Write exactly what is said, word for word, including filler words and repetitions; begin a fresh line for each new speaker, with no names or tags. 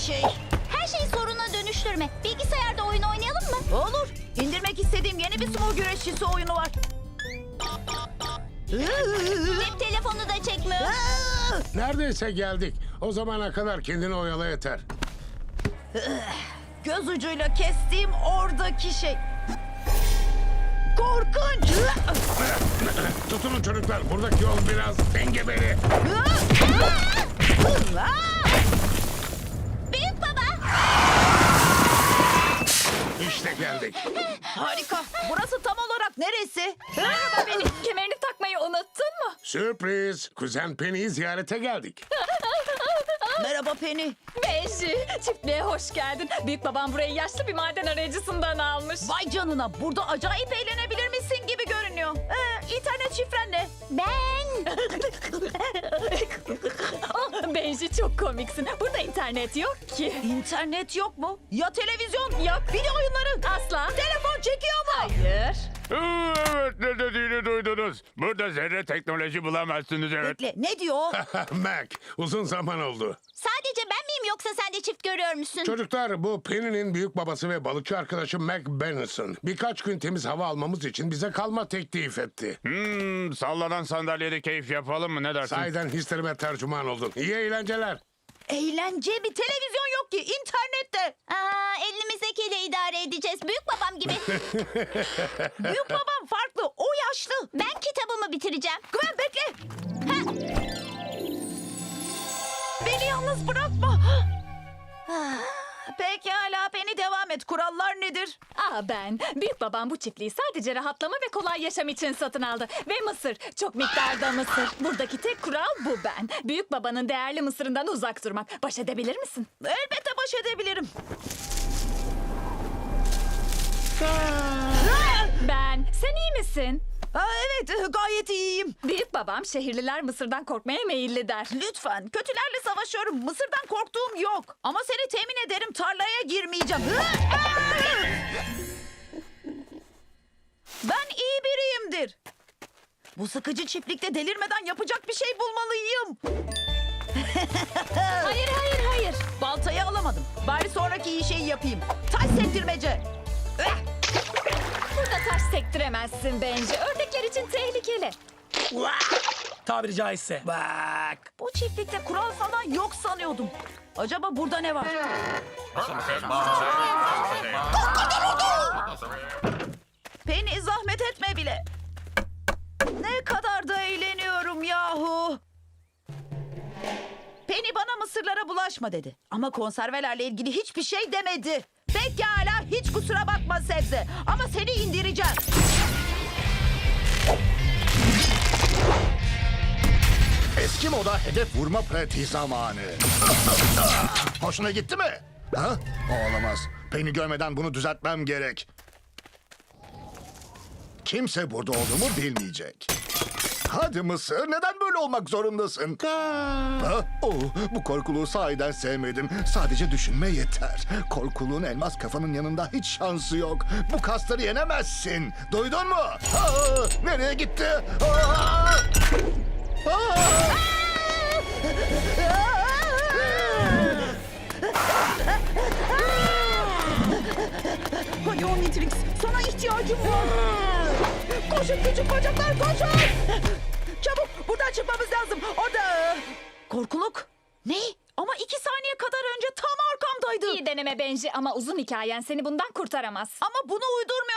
şey.
Her şeyi soruna dönüştürme. Bilgisayarda oyun oynayalım mı?
Olur. İndirmek istediğim yeni bir sumo güreşçisi oyunu var.
Cep telefonu da çekmiyor.
Neredeyse geldik. O zamana kadar kendini oyala yeter.
Göz ucuyla kestiğim oradaki şey. Korkunç.
Tutunun çocuklar. Buradaki yol biraz engebeli.
Büyük baba.
İşte geldik.
Harika. Burası tam olarak neresi?
Merhaba Penny. Kemerini takmayı unuttun mu?
Sürpriz. Kuzen Penny'i ziyarete geldik.
Merhaba Penny.
Benji, çiftliğe hoş geldin. Büyük babam burayı yaşlı bir maden arayıcısından almış.
Vay canına. Burada acayip eğlenebilir misin gibi görünüyor. Ee, internet şifren ne?
Ben.
Oh, Benji çok komiksin. Burada internet yok ki.
İnternet yok mu? Ya televizyon?
Yok.
Video oyunları?
Asla.
Telefon çekiyor mu?
Hayır.
Evet, ne dediğini duydunuz. Burada zerre teknoloji bulamazsınız, evet.
Bekle. Ne diyor o?
Mac, uzun zaman oldu.
Sadece ben miyim yoksa sen de çift görüyor musun?
Çocuklar, bu Penny'nin büyük babası ve balıkçı arkadaşı Mac Benson. Birkaç gün temiz hava almamız için bize kalma teklif etti.
Hmm, sallanan sandalyede keyif yapalım mı, ne dersin?
Sahiden hislerime tercüman oldun. İyi eğlenceler.
Eğlence mi? Televizyon yok ki. İnternette.
Aa, elimizdekiyle idare edeceğiz. Büyük babam gibi.
Büyük babam farklı. O yaşlı.
Ben kitabımı bitireceğim.
Gwen bekle.
Ha,
Beni yalnız bırakma. Pekala Penny devam et. Kurallar nedir?
Aa ben. Büyük babam bu çiftliği sadece rahatlama ve kolay yaşam için satın aldı. Ve mısır. Çok miktarda mısır. Buradaki tek kural bu ben. Büyük babanın değerli mısırından uzak durmak. Baş edebilir misin?
Elbette baş edebilirim.
Ben. Sen iyi misin?
Aa, evet gayet iyiyim.
Büyük babam şehirliler mısırdan korkmaya meyilli der.
Lütfen kötülerle savaşıyorum. Mısırdan korktuğum yok. Ama seni temin ederim tarlaya girmeyeceğim. Ben iyi biriyimdir. Bu sıkıcı çiftlikte delirmeden yapacak bir şey bulmalıyım.
Hayır hayır hayır.
Baltayı alamadım. Bari sonraki iyi şeyi yapayım. Taş sektirmece. Eh!
Burada taş sektiremezsin bence. Ördekler için tehlikeli.
Tabiri caizse.
Bak. Bu çiftlikte kural falan yok sanıyordum. Acaba burada ne var? Penny zahmet etme bile. Ne kadar da eğleniyorum yahu. Penny bana mısırlara bulaşma dedi. Ama konservelerle ilgili hiçbir şey demedi. Pekala hiç kusura bakma Sebze. Ama seni indireceğim.
Eski moda hedef vurma pratiği zamanı. Hoşuna gitti mi? Ha? Olamaz. Penny görmeden bunu düzeltmem gerek. Kimse burada olduğumu bilmeyecek. Hadi Mısır, neden böyle olmak zorundasın? Ha? Oh, bu korkuluğu sahiden sevmedim. Sadece düşünme yeter. Korkuluğun elmas kafanın yanında hiç şansı yok. Bu kasları yenemezsin. Duydun mu? Aa, nereye gitti? Aa! Aa!
Hadi Omnitrix, sana ihtiyacım var. Koşun küçük bacaklar, koşun. Çabuk, buradan çıkmamız lazım. Orada. Korkuluk. Ne? Ama iki saniye kadar önce tam arkamdaydı.
İyi deneme Benji ama uzun hikayen seni bundan kurtaramaz.
Ama bunu uydurmaya